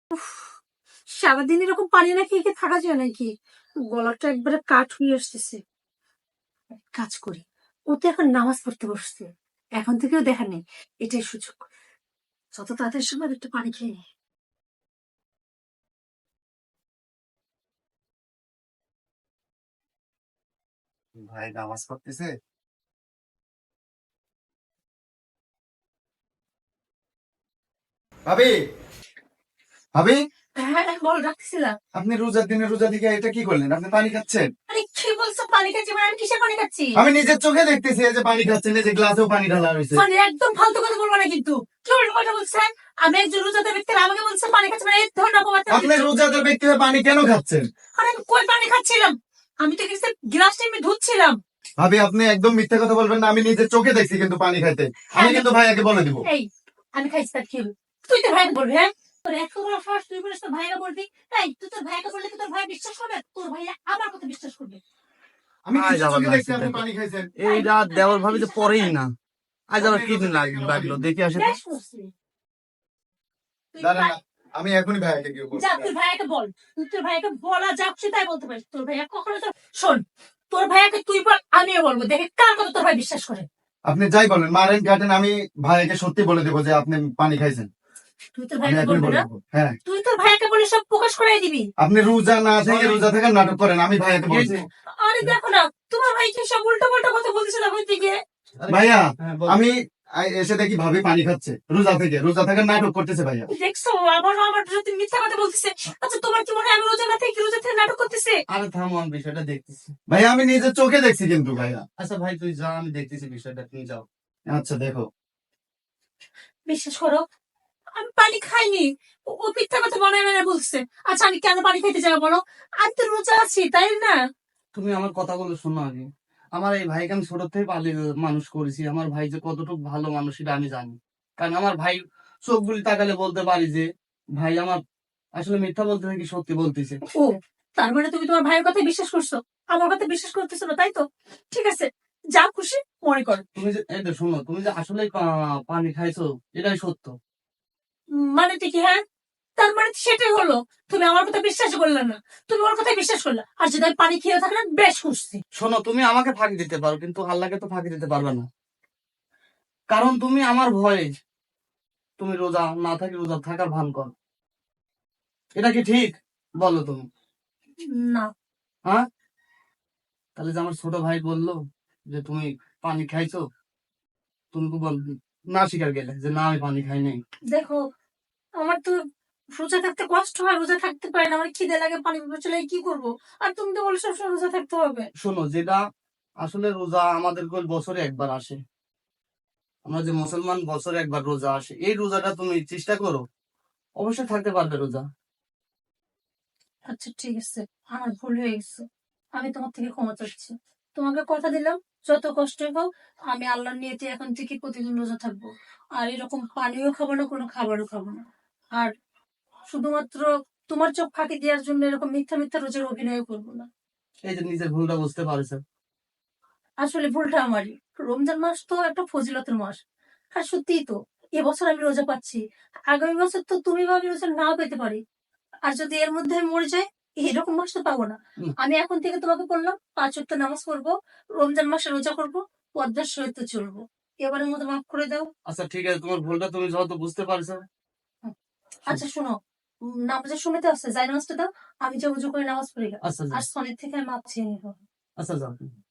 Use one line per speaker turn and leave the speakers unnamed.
সারাদিন এরকম পানি না খেয়ে কি থাকা যায় নাকি? গলাটা একবারে কাঠ হয়ে আসতেছে। কাজ করি, ও তো এখন নামাজ পড়তে বসছে, এখন থেকেও দেখা নেই, এটাই সুযোগ। যত তাড়াতাড়ি সময় একটু পানি খেয়ে নি।
ভাই নামাজ পড়তেছে। ভাবি, ভাবি,
হ্যাঁ বল, রাখছিলাম।
আপনি রোজার দিনে রোজা দিকে এটা কি করলেন? আপনি পানি খাচ্ছেন?
আরে কি বলছো পানি খাচ্ছি? মানে আমি কিসের পানি খাচ্ছি?
আমি নিজের চোখে দেখতেছি এই যে পানি খাচ্ছেন, এই যে গ্লাসেও পানি ঢালা হয়েছে।
মানে একদম ফালতু কথা বলবো না কিন্তু। কি উল্টো কথা বলছেন? আমি একজন রোজাদার ব্যক্তি, আর আমাকে বলছেন পানি খাচ্ছি, মানে এই ধরনের অপবাদ কেন
আপনি
দিচ্ছ?
রোজাদার ব্যক্তি হয়ে পানি কেন খাচ্ছেন?
আরে আমি কই পানি খাচ্ছিলাম? আমি তো কিছু গ্লাসটা আমি ধুচ্ছিলাম।
ভাবি, আপনি একদম মিথ্যা কথা বলবেন না, আমি নিজের চোখে দেখছি কিন্তু পানি খাইতে। আমি কিন্তু ভাইয়াকে বলে দিব।
এই, আমি খাইছি তার কি হলো? তুই তো ভাইকে বলবি? হ্যাঁ, তোর একশো বার ফার্স্ট তুই বলিস তোর ভাইকে বলবি। এই তুই তোর ভাইকে বললে কি তোর ভাই বিশ্বাস করবে? তোর ভাই আমার কথা বিশ্বাস করবে?
আমি
আজ
নিজের
আবার
চোখে দেখছি
লাগছে
আপনি
দেখো,
পানি খাইছেন।
এই রাত দেওয়ার ভাবি তো পরেই না। আজ আবার কি দিন লাগলো দেখে আসে তো।
বেশ করছি। তুই
দাঁড়ান
ভাই-
না, আমি এখনই ভাইয়াকে গিয়ে বলবো।
যা তুই ভাইকে বল, তুই তোর ভাইকে বলা যাচ্ছে তাই বলতে পারিস। তোর ভাইয়া কখনো তো শোন, তোর ভাইয়াকে তুই বল, আমিও বলবো, দেখে কার কথা তোর ভাই বিশ্বাস করে।
আপনি যাই বলেন, মারেন কাটেন, আমি ভাইয়াকে সত্যি বলে দেবো যে আপনি পানি খাইছেন।
তুই তোর
আমি
ভাইকে
এখনই
বলবি
বলে
না?
দেবো। হ্যাঁ,
তুই তোর ভাইকে বলে সব প্রকাশ করাই দিবি।
আপনি রোজা না থেকে রোজা থাকার নাটক করেন, আমি ভাইয়াকে বলছি।
আরে দেখো না, তোমার ভাই কি সব উল্টো পাল্টা কথা বলছে না ওই দিকে।
ভাইয়া,
হ্যাঁ, বল।
আমি এসে দেখি ভাবি পানি খাচ্ছে রোজা থেকে, রোজা থাকার নাটক করতেছে ভাইয়া।
দেখছো আবারও আমার সাথে মিথ্যা কথা বলতেছে। আচ্ছা তোমার কি মনে হয় আমি রোজা না থেকে রোজা থেকে নাটক করতেছে?
আরে থামো, আমি বিষয়টা দেখতেছি।
ভাইয়া, আমি নিজের চোখে দেখছি কিন্তু ভাইয়া।
আচ্ছা ভাই তুই যা, আমি দেখতেছি বিষয়টা, তুমি যাও।
আচ্ছা দেখো।
বিশ্বাস করো, আমি পানি খাইনি। ও মিথ্যা কথা মনে মনে বলছে। আচ্ছা আমি কেন পানি খাইতে যাবো বলো? আমি তো রোজা আছি, তাই না?
তুমি আমার কথাগুলো শোনো আগে। আমার এই ভাইকে আমি ছোট থেকে পালিয়ে মানুষ করেছি। আমার ভাই যে কতটুকু ভালো মানুষ এটা আমি জানি। কারণ আমার ভাই চোখ বুলি তাকালে বলতে পারি যে ভাই আমার আসলে মিথ্যা বলতে নাকি সত্যি বলতেছে।
ও, তার মানে তুমি তোমার ভাইয়ের কথা বিশ্বাস করছো, আমার কথা বিশ্বাস করতেছো না, তাই তো? ঠিক আছে, যা খুশি মনে করো।
তুমি যে এই তো শোনো, তুমি যে আসলে পানি খাইছো এটাই সত্য।
মানে কি? হ্যাঁ, তার মানে তো সেটাই হলো। তুমি আমার কথা বিশ্বাস করলে না, তুমি ওর কথা বিশ্বাস করলে। আর যদি আমি পানি খেয়ে থাকলে বেশ খুশি।
শোনো, তুমি আমাকে ফাঁকি দিতে পারো কিন্তু আল্লাহকে তো ফাঁকি দিতে পারবে না। কারণ তুমি আমার ভয়ে তুমি রোজা না থাকি রোজা থাকার ভান করো। এটা কি ঠিক? বলো তুমি।
না,
হ্যাঁ, তাহলে যে আমার ছোট ভাই বললো যে তুমি পানি খাইছো, তুমি তো বল না স্বীকার গেলে যে না আমি পানি খাই নাই।
দেখো, আমার তো রোজা থাকতে কষ্ট হয়, রোজা থাকতে পারি না, আমার খিদে লাগে, পানি পিপাসা লাগে, কি করবো? আর তুমি তো বলো সবসময় রোজা থাকতে হবে।
শোনো, যেটা আসলে রোজা আমাদের বছরে একবার আসে। আমরা যে মুসলমান বছরে একবার রোজা আসে, এই রোজাটা তুমি চেষ্টা করো, অবশ্যই থাকতে পারবে রোজা।
আচ্ছা ঠিক আছে, আমার ভুল হয়ে গেছে, আমি তোমার থেকে ক্ষমা চাচ্ছি। তোমাকে কথা দিলাম, যত কষ্টই হোক আমি আল্লাহর নিয়তে এখন থেকে প্রতিদিন রোজা থাকবো। আর এরকম পানিও খাবো না, কোনো খাবারও খাবো না। আর শুধুমাত্র তোমার চোখ ফাঁকি দেওয়ার জন্য এরকম মিথ্যা মিথ্যা রোজের অভিনয় করবো না।
এই যে নিজের ভুলটা বুঝতে পারছো।
আসলে ভুলটা আমারই। রমজান মাস তো একটা ফজিলতের মাস। আর সত্যিই তো, এবছর আমি রোজা পাচ্ছি, আগামী বছর তো তুমি বা আমি রোজা নাও পেতে পারি। আর যদি এর মধ্যে আমি মরে যাই, এরকম মাস তো পাবো না। আমি এখন থেকে তোমাকে বললাম 5 ওয়াক্ত নামাজ পড়বো, রমজান মাসে রোজা করবো, পর্দার সহিত চলবো। এবারের মতো মাফ করে দাও।
আচ্ছা ঠিক আছে, তোমার ভুলটা তুমি যত বুঝতে পারছো।
আচ্ছা শোনো, নামাজের সময় তো আছে, যাই নামাজটা দাও, আমি যে উজু করে নামাজ পড়ি।
আচ্ছা
আর সনের থেকে আমি মাপ চেয়ে নিবো।
আচ্ছা যাও।